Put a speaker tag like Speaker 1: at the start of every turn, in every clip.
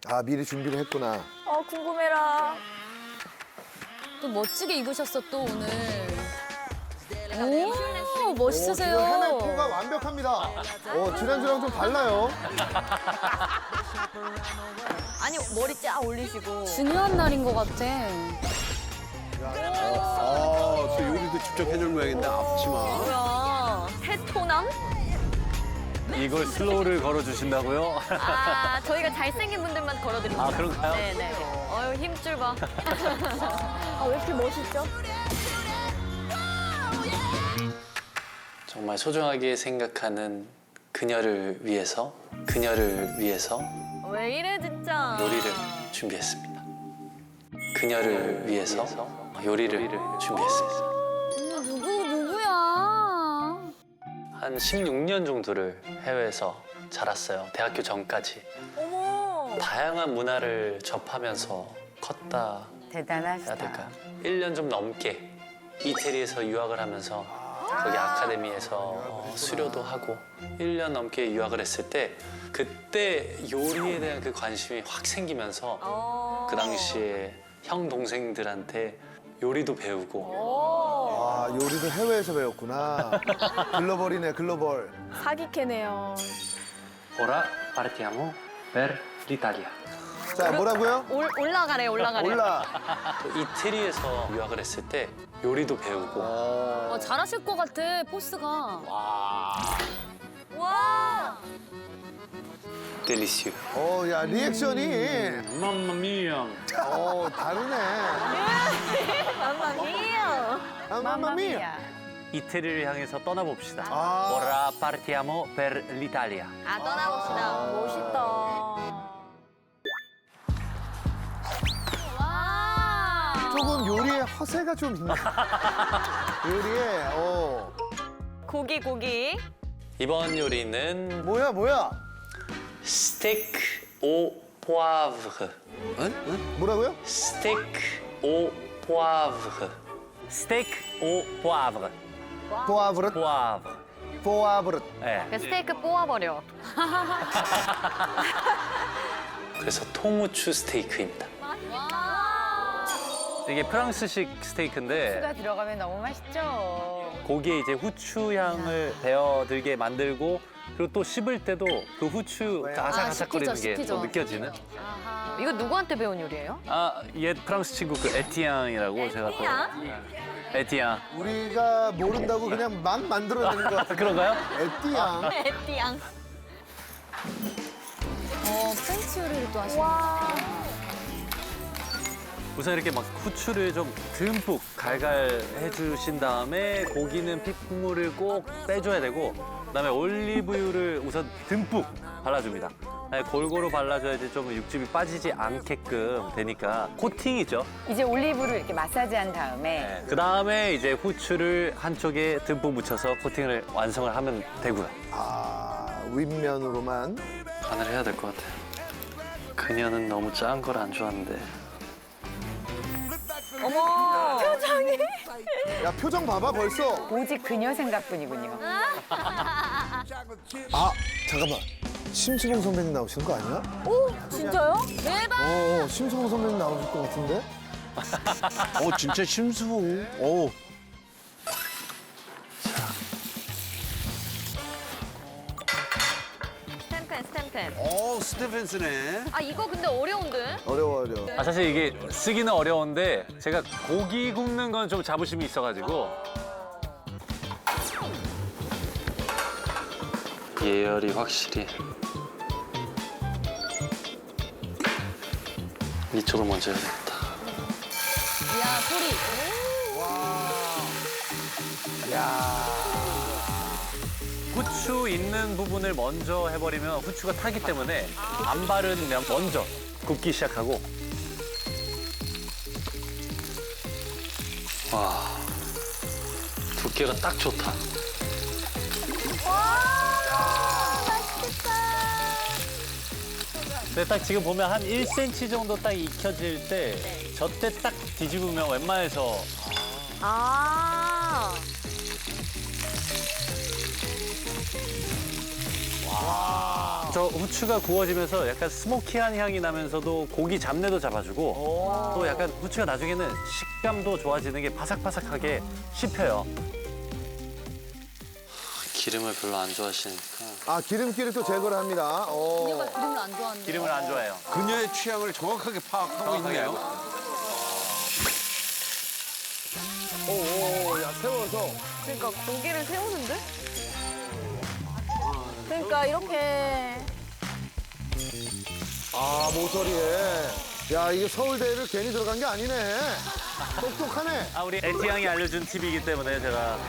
Speaker 1: 아, 미리 준비를 했구나.
Speaker 2: 궁금해라.
Speaker 3: 또 멋지게 입으셨어 또 오늘. 오
Speaker 1: 지금
Speaker 3: 멋있으세요.
Speaker 1: 해날포가 완벽합니다. 지난주랑 좀 달라요.
Speaker 2: 아니 머리 쫙 올리시고.
Speaker 3: 중요한 날인 것 같아.
Speaker 4: 저 요리도 직접 해줄 모양인데 앞치마.
Speaker 2: 뭐야? 새토남?
Speaker 5: 이걸 슬로우를 걸어주신다고요?
Speaker 2: 아 저희가 잘생긴 분들만 걸어드립니다.
Speaker 5: 아, 그런가요?
Speaker 2: 네네. 어휴 힘줄 봐. 왜 이렇게 멋있죠?
Speaker 6: 정말 소중하게 생각하는 그녀를 위해서
Speaker 2: 왜 이래 진짜.
Speaker 6: 요리를 준비했습니다. 그녀를 위해서 요리를 준비했습니다.
Speaker 3: 누구야?
Speaker 6: 한 16년 정도를 해외에서 자랐어요. 대학교 전까지.
Speaker 2: 어머.
Speaker 6: 다양한 문화를 접하면서 컸다 해야
Speaker 7: 대단하시다.
Speaker 6: 될까요? 1년 좀 넘게 이태리에서 유학을 하면서 거기 아카데미에서 수료도 하고 1년 넘게 유학을 했을 때 그때 요리에 대한 그 관심이 확 생기면서 그 당시에 형 동생들한테 요리도 배우고
Speaker 1: 아, 요리도 해외에서 배웠구나. 글로벌이네, 글로벌.
Speaker 2: 사기캐네요.
Speaker 6: Ora partiamo per l'Italia.
Speaker 1: 자, 뭐라고요?
Speaker 2: 올라가래.
Speaker 1: 올라.
Speaker 6: 이태리에서 유학을 했을 때 요리도 배우고
Speaker 3: 잘하실 것 같아 포스가.
Speaker 2: 와.
Speaker 6: 델리시오.
Speaker 1: 야, 리액션이.
Speaker 5: 맘마미야.
Speaker 1: 다르네.
Speaker 2: 맘마미야.
Speaker 1: 맘마미야.
Speaker 5: 이태리를 향해서 떠나봅시다.
Speaker 1: 아.
Speaker 5: Ora partiamo per l'Italia.
Speaker 2: 아 떠나봅시다. 멋있다. 와.
Speaker 1: 조금 요리에 허세가 좀 있네. 요리에,
Speaker 2: 고기.
Speaker 6: 이번 요리는
Speaker 1: 뭐야?
Speaker 6: 스테이크 오 포아브르.
Speaker 1: 뭐라고요?
Speaker 6: 스테이크 오 포아브르.
Speaker 5: 스테이크 오 포아브르.
Speaker 1: 포아브릇,
Speaker 5: 포아브르.
Speaker 1: 포아브릇.
Speaker 5: 네.
Speaker 2: 스테이크 뽑아버려.
Speaker 6: 그래서 통후추 스테이크입니다.
Speaker 5: 이게 프랑스식 스테이크인데
Speaker 7: 후추가 들어가면 너무 맛있죠.
Speaker 5: 고기에 이제 후추 향을 배어들게 만들고 그리고 또 씹을 때도 그 후추 아삭아삭거리는 게
Speaker 3: 씹히죠.
Speaker 5: 또 느껴지는.
Speaker 2: 이거 누구한테 배운 요리예요?
Speaker 5: 옛 프랑스 친구 그 에티앙이라고 제가 또 에티앙.
Speaker 1: 우리가 모른다고 그냥 막 만들어내는 것 같아.
Speaker 5: 그런가요?
Speaker 1: 에띠양.
Speaker 2: 에띠양.
Speaker 3: 프렌치 요리를 또 하시네.
Speaker 5: 우선 이렇게 막 후추를 좀 듬뿍 갈갈 해주신 다음에 고기는 핏물을 꼭 빼줘야 되고 그다음에 올리브유를 우선 듬뿍 발라줍니다. 골고루 발라줘야지 좀 육즙이 빠지지 않게끔 되니까 코팅이죠.
Speaker 7: 이제 올리브를 이렇게 마사지한 다음에
Speaker 5: 그다음에 이제 후추를 한쪽에 듬뿍 묻혀서 코팅을 완성을 하면 되고요.
Speaker 1: 윗면으로만.
Speaker 6: 간을 해야 될 것 같아요. 그녀는 너무 짠 걸 안 좋아하는데
Speaker 2: 어머. 표정이.
Speaker 1: 야, 표정 봐봐, 벌써.
Speaker 7: 오직 그녀 생각뿐이군요.
Speaker 1: 잠깐만. 심수봉 선배님 나오시는 거 아니야?
Speaker 2: 진짜요?
Speaker 3: 대박.
Speaker 1: 심수봉 선배님 나오실 것 같은데?
Speaker 4: 진짜 심수봉.
Speaker 2: 스탬펜.
Speaker 4: 스테펜스네.
Speaker 2: 아 이거 근데 어려운데?
Speaker 1: 어려워.
Speaker 5: 사실 이게 쓰기는 어려운데 제가 고기 굽는 건 좀 자부심이 있어가지고
Speaker 6: 예열이 확실히 이쪽을 먼저 해야겠다.
Speaker 3: 야 소리.
Speaker 5: 후추 있는 부분을 먼저 해버리면 후추가 타기 때문에 안 바르면 먼저 굽기 시작하고
Speaker 6: 와, 두께가 딱 좋다.
Speaker 5: 근데 딱 지금 보면 한 1cm 정도 딱 익혀질 때 저때 딱 뒤집으면 웬만해서
Speaker 2: 아.
Speaker 1: 와.
Speaker 5: 저 후추가 구워지면서 약간 스모키한 향이 나면서도 고기 잡내도 잡아주고 또 약간 후추가 나중에는 식감도 좋아지는 게 바삭바삭하게 씹혀요.
Speaker 6: 기름을 별로 안 좋아하시니까.
Speaker 1: 아, 기름기를 또 제거를 합니다.
Speaker 3: 그녀가 기름을 안 좋아하는데.
Speaker 5: 기름을 안 좋아해요.
Speaker 4: 그녀의 취향을 정확하게 파악하고 있네요.
Speaker 1: 오, 야, 세워서.
Speaker 2: 그러니까 고기를 세우는데? 그러니까 이렇게.
Speaker 1: 아, 모서리에. 야, 이게 서울대를 괜히 들어간 게 아니네. 똑똑하네.
Speaker 5: 아, 우리 에티 양이 알려준 팁이기 때문에 제가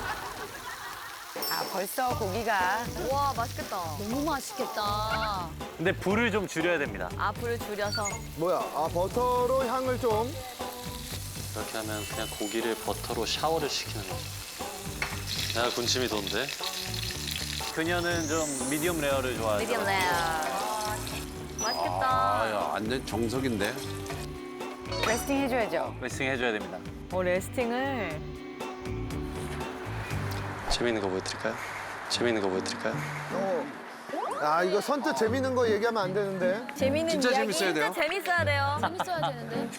Speaker 7: 아, 벌써 고기가
Speaker 2: 와, 맛있겠다.
Speaker 3: 너무 맛있겠다.
Speaker 5: 근데 불을 좀 줄여야 됩니다.
Speaker 2: 아, 불을 줄여서.
Speaker 1: 뭐야, 아, 버터로 향을 좀.
Speaker 6: 이렇게 하면 그냥 고기를 버터로 샤워를 시키는 거죠. 내가 군침이 돈데.
Speaker 5: 그녀는 좀 미디엄 레어를 좋아해요.
Speaker 2: 미디엄 레어. 맛있겠다.
Speaker 4: 아, 야, 완전 정석인데.
Speaker 7: 레스팅 해줘야죠.
Speaker 5: 레싱 해줘야 됩니다.
Speaker 2: 레스팅을.
Speaker 6: 재밌는 거 보여드릴까요? 재밌는 거 보여드릴까요?
Speaker 1: 아, 이거 선뜻 재밌는 거 얘기하면 안 되는데.
Speaker 2: 재밌는
Speaker 4: 진짜
Speaker 2: 이야기.
Speaker 4: 재밌어야 돼요.
Speaker 2: 진짜 재밌어야 돼요.
Speaker 3: 재밌어야 되는데.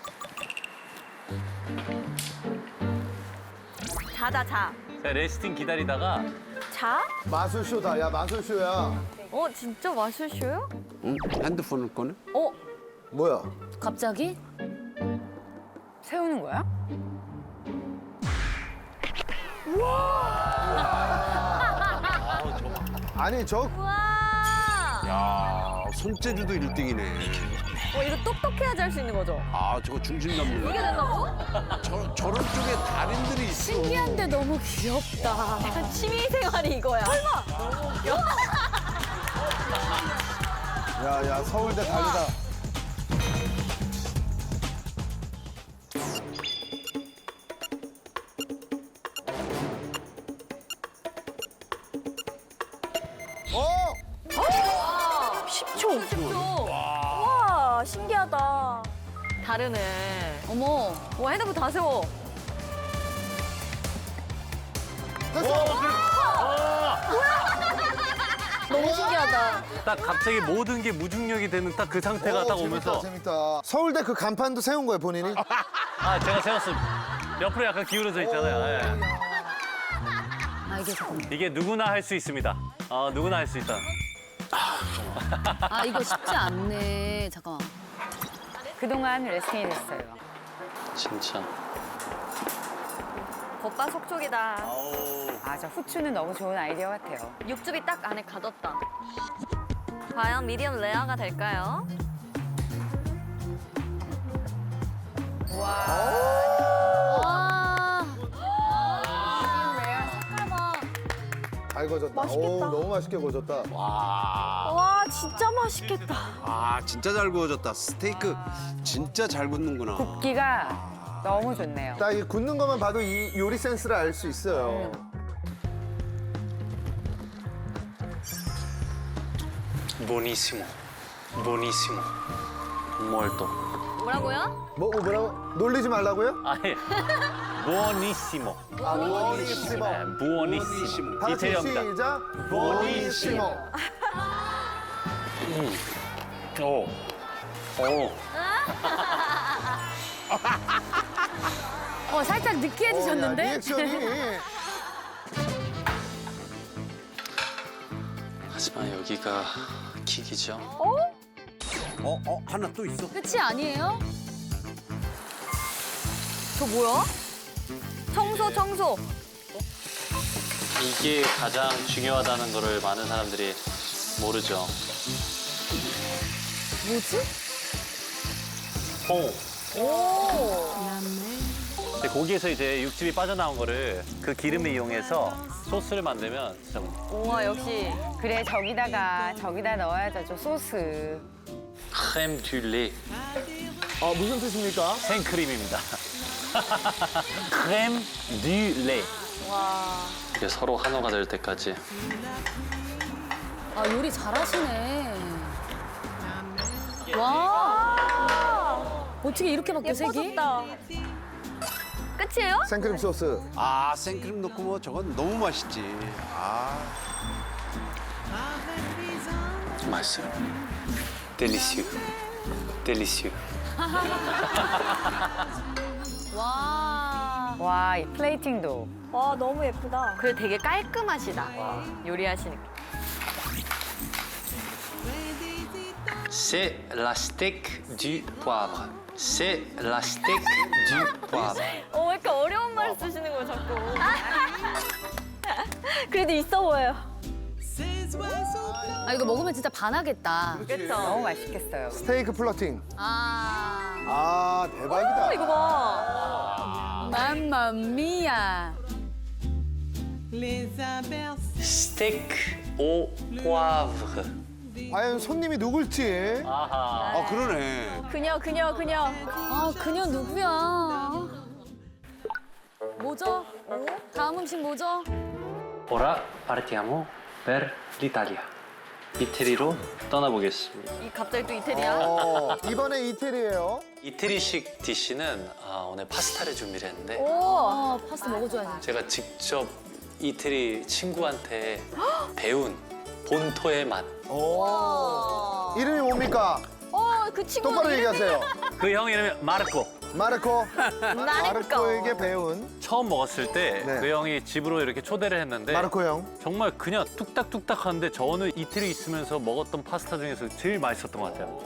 Speaker 2: 자자, 자.
Speaker 5: 제가 레스팅 기다리다가
Speaker 2: 자?
Speaker 1: 마술쇼다, 야, 마술쇼야.
Speaker 2: 어, 진짜 마술쇼요?
Speaker 4: 응? 핸드폰을 꺼내?
Speaker 2: 어?
Speaker 1: 뭐야?
Speaker 3: 갑자기?
Speaker 7: 세우는 거야?
Speaker 1: 아니, 저
Speaker 2: 우와!
Speaker 4: 야, 손재주도 1등이네.
Speaker 2: 이거 똑똑해야지 할 수 있는 거죠?
Speaker 4: 아, 저거 중심 잡는
Speaker 2: 이게
Speaker 4: 거.
Speaker 2: 된다고?
Speaker 4: 저런 쪽에 달인들이 있어.
Speaker 3: 신기한데 너무 귀엽다.
Speaker 2: 약간 취미생활이 이거야. 설마! 너무 웃겨.
Speaker 1: 야, 야, 서울대 달리다. 어!
Speaker 2: 10초. 와, 신기하다. 다르네.
Speaker 3: 어머.
Speaker 2: 와, 핸드폰 다 세워.
Speaker 1: 됐어!
Speaker 2: 너무 신기하다.
Speaker 5: 딱 갑자기 모든 게 무중력이 되는 딱 그 상태가 딱 오면서
Speaker 1: 재밌다. 서울대 그 간판도 세운 거예요, 본인이?
Speaker 5: 아 제가 세웠습니다. 옆으로 약간 기울어져 있잖아요. 예.
Speaker 3: 아, 이게 잠깐만.
Speaker 5: 이게 누구나 할 수 있습니다. 누구나 할 수 있다.
Speaker 3: 아, 이거 쉽지 않네. 잠깐만.
Speaker 7: 그동안 레스팅이 됐어요.
Speaker 6: 진짜.
Speaker 2: 겉바 속촉이다.
Speaker 7: 아, 저 후추는 너무 좋은 아이디어 같아요.
Speaker 2: 육즙이 딱 안에 가뒀다. 과연 미디엄 레어가 될까요?
Speaker 3: 와. 색깔 봐.
Speaker 1: 잘 거졌다.
Speaker 2: 맛있겠다.
Speaker 1: 오, 너무 맛있게 거졌다.
Speaker 2: 와, 진짜 맛있겠다.
Speaker 4: 아, 진짜 잘 구워졌다. 스테이크 진짜 잘 굽는구나.
Speaker 7: 굽기가 너무 좋네요.
Speaker 1: 딱 이 굽는 것만 봐도 이 요리 센스를 알 수 있어요.
Speaker 6: Buonissimo. Buonissimo. Molto.
Speaker 2: 뭐라고요?
Speaker 1: 뭐라고? 놀리지 말라고요?
Speaker 5: 아니 부오니시모.
Speaker 1: 부오니시모.
Speaker 5: 네, 부오니시모.
Speaker 1: 다 같이
Speaker 5: 이태리어입니다.
Speaker 1: 시작. 부오니시모.
Speaker 5: 오. 오.
Speaker 3: 살짝 느끼해지셨는데?
Speaker 1: 리액션이.
Speaker 6: 하지만 여기가 킥이죠.
Speaker 4: 하나 또 있어.
Speaker 3: 끝이 아니에요?
Speaker 2: 저 뭐야? 청소.
Speaker 6: 이게 가장 중요하다는 거를 많은 사람들이 모르죠.
Speaker 3: 뭐지?
Speaker 5: 홍.
Speaker 2: 오.
Speaker 5: 근데 고기에서 이제 육즙이 빠져나온 거를 그 기름을 이용해서 소스를 만들면 좀
Speaker 2: 우와, 역시.
Speaker 7: 그래, 저기다 넣어야죠, 저 소스.
Speaker 6: 크렘 듀레.
Speaker 1: 무슨 뜻입니까?
Speaker 5: 생크림입니다. 크렘 듀레.
Speaker 2: 와.
Speaker 6: 이게 서로 한호가 될 때까지.
Speaker 3: 아, 요리 잘하시네. 와. 어떻게 이렇게 바뀌어, 색이?
Speaker 2: 예뻐졌다. 끝이에요?
Speaker 1: 생크림 소스.
Speaker 4: 아, 생크림 넣고 뭐 저건 너무 맛있지. 아.
Speaker 6: 맛있어요. 델리시우. 델리시우.
Speaker 3: 와.
Speaker 7: 와, 이 플레이팅도.
Speaker 3: 와, 너무 예쁘다.
Speaker 2: 그리고 되게 깔끔하시다. 요리하시는 게.
Speaker 6: C'est la steak du poivre. C'est la steak du poivre.
Speaker 2: 왜 이렇게 어려운 말을 쓰시는 거예요, 자꾸.
Speaker 3: 그래도 있어 보여요.
Speaker 8: 아 이거 먹으면 진짜 반하겠다.
Speaker 2: 그쵸?
Speaker 7: 너무 맛있겠어요.
Speaker 1: 스테이크 플러팅.
Speaker 8: 아
Speaker 1: 아, 대박이다.
Speaker 2: 이거 봐.
Speaker 8: 맘마미야.
Speaker 6: Steak au poivre.
Speaker 1: 과연 손님이 누굴지.
Speaker 5: 아하.
Speaker 4: 아 그러네.
Speaker 3: 그녀.
Speaker 8: 아 그녀 누구야? 뭐죠? 다음 음식 뭐죠?
Speaker 6: Ora partiamo per l'Italia. 이태리로 떠나보겠습니다.
Speaker 2: 이 갑자기 또 이태리야?
Speaker 1: 이번에 이태리예요.
Speaker 6: 이태리식 디시는 오늘 파스타를 준비를 했는데
Speaker 8: 아 파스타 먹어줘야지.
Speaker 6: 제가 직접 이태리 친구한테 배운 본토의 맛.
Speaker 1: 이름이 뭡니까?
Speaker 3: 그 친구
Speaker 1: 똑바로 얘기하세요.
Speaker 5: 그 형 이름이 마르코.
Speaker 1: 마르코. 마르코에게 배운
Speaker 5: 처음 먹었을 때 그
Speaker 1: 네.
Speaker 5: 형이 집으로 이렇게 초대를 했는데
Speaker 1: 마르코 형.
Speaker 5: 정말 그냥 뚝딱뚝딱 하는데 저는 이태리 있으면서 먹었던 파스타 중에서 제일 맛있었던 것 같아요.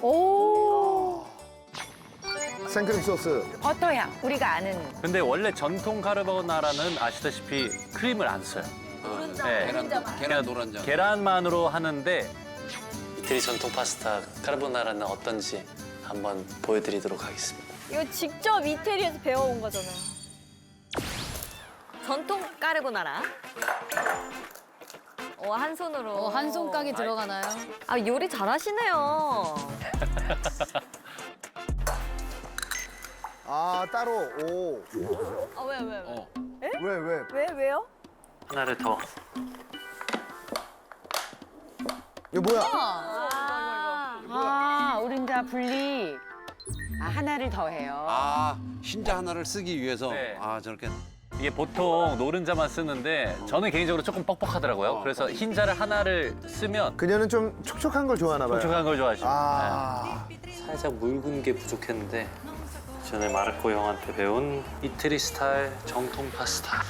Speaker 1: 생크림 소스.
Speaker 7: 버터향, 우리가 아는.
Speaker 5: 근데 원래 전통 카르보나라는 아시다시피 크림을 안 써요. 네.
Speaker 4: 계란 노란자.
Speaker 5: 계란만으로 하는데
Speaker 6: 이태리 전통 파스타 카르보나라는 어떤지 한번 보여드리도록 하겠습니다.
Speaker 3: 이거 직접 이태리에서 배워온 거잖아요.
Speaker 2: 전통 까르보나라. 한 손으로.
Speaker 8: 한 손가락이 들어가나요?
Speaker 2: 아, 요리 잘하시네요.
Speaker 1: 아, 따로. 오.
Speaker 2: 아, 왜?
Speaker 1: 왜?
Speaker 3: 왜요?
Speaker 6: 하나를 더.
Speaker 1: 이거 뭐야?
Speaker 7: 아, 우린자 분리. 아, 하나를 더 해요.
Speaker 4: 아 흰자 하나를 쓰기 위해서
Speaker 5: 네.
Speaker 4: 아 저렇게
Speaker 5: 이게 보통 노른자만 쓰는데 저는 개인적으로 조금 뻑뻑하더라고요. 그래서 흰자를 하나를 쓰면
Speaker 1: 그녀는 좀 촉촉한 걸 좋아하나 봐요.
Speaker 5: 촉촉한 걸 좋아하시죠.
Speaker 1: 아.
Speaker 6: 살짝 묽은 게 부족했는데 전에 마르코 형한테 배운 이태리 스타일 정통 파스타.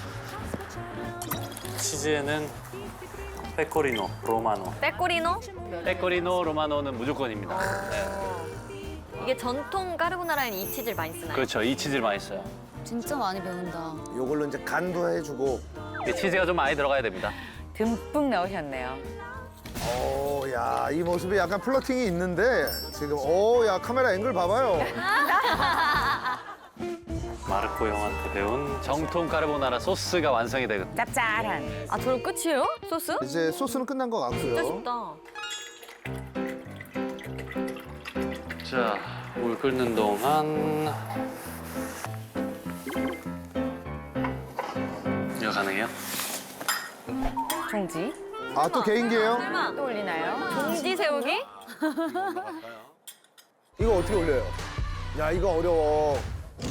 Speaker 6: 치즈에는 페코리노 로마노.
Speaker 2: 빼꼬리노?
Speaker 5: 페코리노 로마노는 무조건입니다.
Speaker 2: 이게 전통 까르보나라에는 이 치즈를 많이 쓰나요?
Speaker 5: 그렇죠. 이 치즈를 많이 써요.
Speaker 8: 진짜 많이 배운다.
Speaker 1: 요걸로 이제 간도 해주고.
Speaker 5: 이 치즈가 좀 많이 들어가야 됩니다.
Speaker 7: 듬뿍 넣으셨네요.
Speaker 1: 오, 야, 이 모습이 약간 플러팅이 있는데 지금 오, 야, 카메라 앵글 봐봐요.
Speaker 6: 마르코 형한테 배운
Speaker 5: 정통 까르보나라 소스가 완성이 되거든요.
Speaker 7: 짭짤한.
Speaker 2: 아, 저로 끝이에요? 소스?
Speaker 1: 이제 소스는 끝난 것
Speaker 2: 진짜
Speaker 1: 같고요.
Speaker 2: 쉽다.
Speaker 6: 자, 물 끓는 동안 이거 가능해요?
Speaker 7: 종지.
Speaker 1: 아, 또 개인기예요?
Speaker 2: 설마
Speaker 7: 또 올리나요?
Speaker 2: 봉지 세우기?
Speaker 1: 이거 어떻게 올려요? 야, 이거 어려워.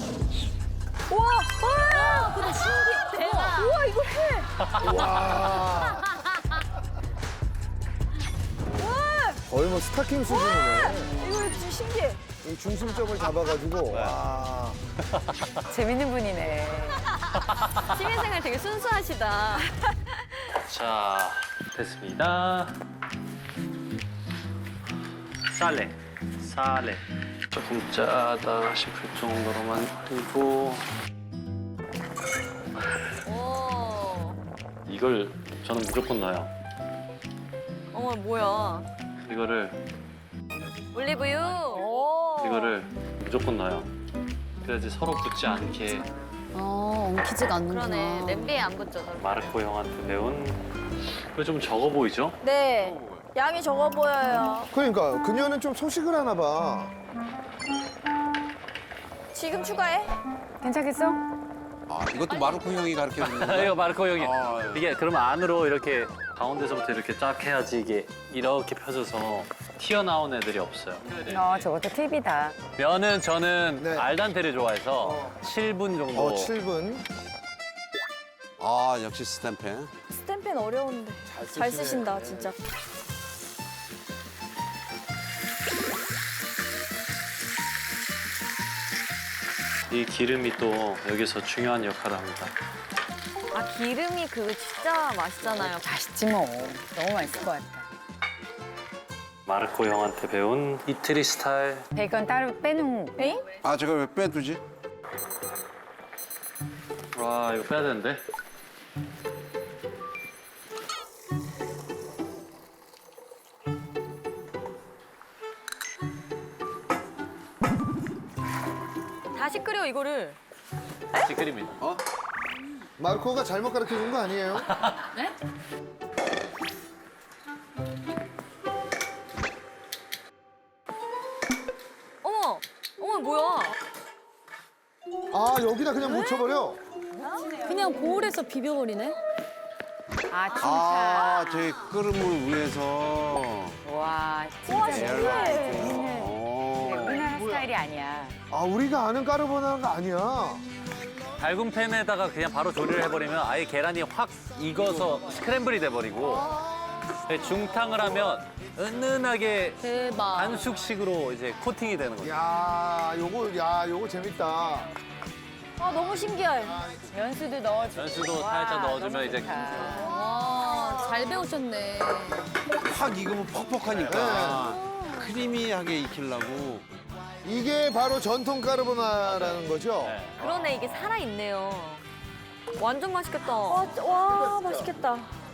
Speaker 3: 근데 신기해. 대박. 우와, 이거 해.
Speaker 1: 와. 거의 뭐 스타킹 수준이네.
Speaker 3: 이거 진짜 신기해.
Speaker 1: 이 중심점을 잡아가지고. 와.
Speaker 7: 재밌는 분이네.
Speaker 2: 취미생활 되게 순수하시다.
Speaker 6: 자, 됐습니다. 살레. 조금 짜다 싶을 정도로만 올리고
Speaker 2: 오.
Speaker 6: 이걸 저는 무조건 넣어요.
Speaker 2: 어머, 뭐야.
Speaker 6: 이거를
Speaker 2: 올리브유.
Speaker 6: 이거를 무조건 넣어요. 그래야지 서로 붙지 않게
Speaker 8: 엉키지가 않는구나.
Speaker 2: 그러네. 냄비에 안 붙죠, 저렇게.
Speaker 6: 마르코 형한테 배운. 이거 좀 적어 보이죠?
Speaker 3: 네. 양이 적어 보여요.
Speaker 1: 그러니까 그녀는 좀 소식을 하나 봐.
Speaker 3: 지금 추가해?
Speaker 7: 괜찮겠어?
Speaker 4: 아 이것도 마르코 형이 가르쳐 주는 거야?
Speaker 5: 이거 마르코 형이
Speaker 4: 아,
Speaker 5: 이게 그러면 안으로 이렇게 가운데서부터 이렇게 쫙 해야지 이게 이렇게 펴져서 튀어나온 애들이 없어요.
Speaker 7: 저것도 팁이다.
Speaker 5: 면은 저는
Speaker 1: 네.
Speaker 5: 알단테를 좋아해서 7분 정도.
Speaker 1: 7분.
Speaker 4: 아 역시 스탬펜.
Speaker 3: 스탬펜 어려운데. 잘 쓰신다, 진짜.
Speaker 6: 이 기름이 또 여기서 중요한 역할을 합니다.
Speaker 2: 아 기름이 그거 진짜 맛있잖아요.
Speaker 7: 맛있지 뭐. 너무 맛있을 것 같다.
Speaker 6: 마르코 형한테 배운 이태리 스타일.
Speaker 7: 베이컨 따로 빼놓은.
Speaker 4: 아 제가 왜 빼두지?
Speaker 6: 와 이거 빼야 되는데.
Speaker 2: 다시 끓여 이거를.
Speaker 5: 다시 끓입니다.
Speaker 1: 마르코가 잘못 가르쳐 준 거 아니에요?
Speaker 8: 네?
Speaker 2: 어머, 어머 뭐야?
Speaker 1: 아, 여기다 그냥 묻혀버려?
Speaker 3: 그냥 보울에서 비벼버리네.
Speaker 7: 아, 진짜.
Speaker 4: 아 저기 끓음을 위해서.
Speaker 7: 와, 진짜
Speaker 4: 신기해.
Speaker 7: 우리나라 스타일이 아니야.
Speaker 1: 아, 우리가 아는 까르보나라가 아니야.
Speaker 5: 달군 팬에다가 그냥 바로 조리를 해버리면 아예 계란이 확 익어서 스크램블이 돼버리고 중탕을 하면 은은하게
Speaker 8: 대박.
Speaker 5: 반숙식으로 이제 코팅이 되는 거죠.
Speaker 1: 야, 요거 재밌다.
Speaker 3: 아, 너무 신기해.
Speaker 7: 연수도 넣어주고.
Speaker 5: 연수도
Speaker 7: 와,
Speaker 5: 살짝 넣어주면
Speaker 7: 너무
Speaker 5: 이제
Speaker 7: 좋다.
Speaker 8: 와, 잘 배우셨네.
Speaker 4: 확 익으면 퍽퍽하니까 크리미하게 익히려고.
Speaker 1: 이게 바로 전통 까르보나라는 거죠?
Speaker 2: 그러네 이게 살아 있네요. 완전 맛있겠다.
Speaker 3: 와, 맛있겠다.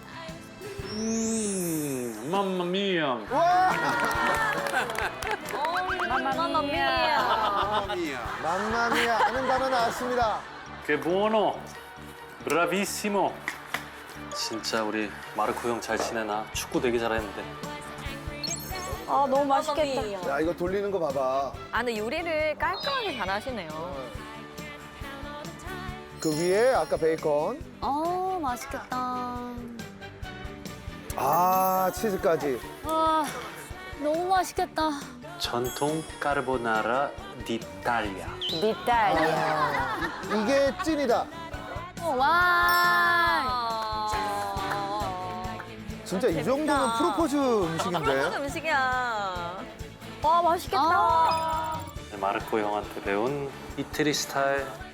Speaker 6: 맘마미야.
Speaker 2: 마마미야.
Speaker 1: 맘마미야 하는 단어 나왔습니다.
Speaker 6: 게 buono. 브라비시모. 진짜 우리 마르코 형 잘 지내나? 축구 되게 잘했는데.
Speaker 3: 아, 너무 맛있겠다.
Speaker 1: 야, 이거 돌리는 거 봐봐.
Speaker 2: 아 근데 요리를 깔끔하게 잘하시네요.
Speaker 1: 그 위에 아까 베이컨.
Speaker 8: 맛있겠다.
Speaker 1: 아, 치즈까지.
Speaker 8: 와, 너무 맛있겠다.
Speaker 6: 전통 까르보나라 디탈리아.
Speaker 7: 이탈리아.
Speaker 1: 이게 찐이다.
Speaker 8: 와.
Speaker 1: 진짜 이 정도면 프로포즈 음식인데.
Speaker 2: 프로포즈 음식이야.
Speaker 3: 와, 맛있겠다.
Speaker 8: 아.
Speaker 6: 마르코 형한테 배운 이태리 스타일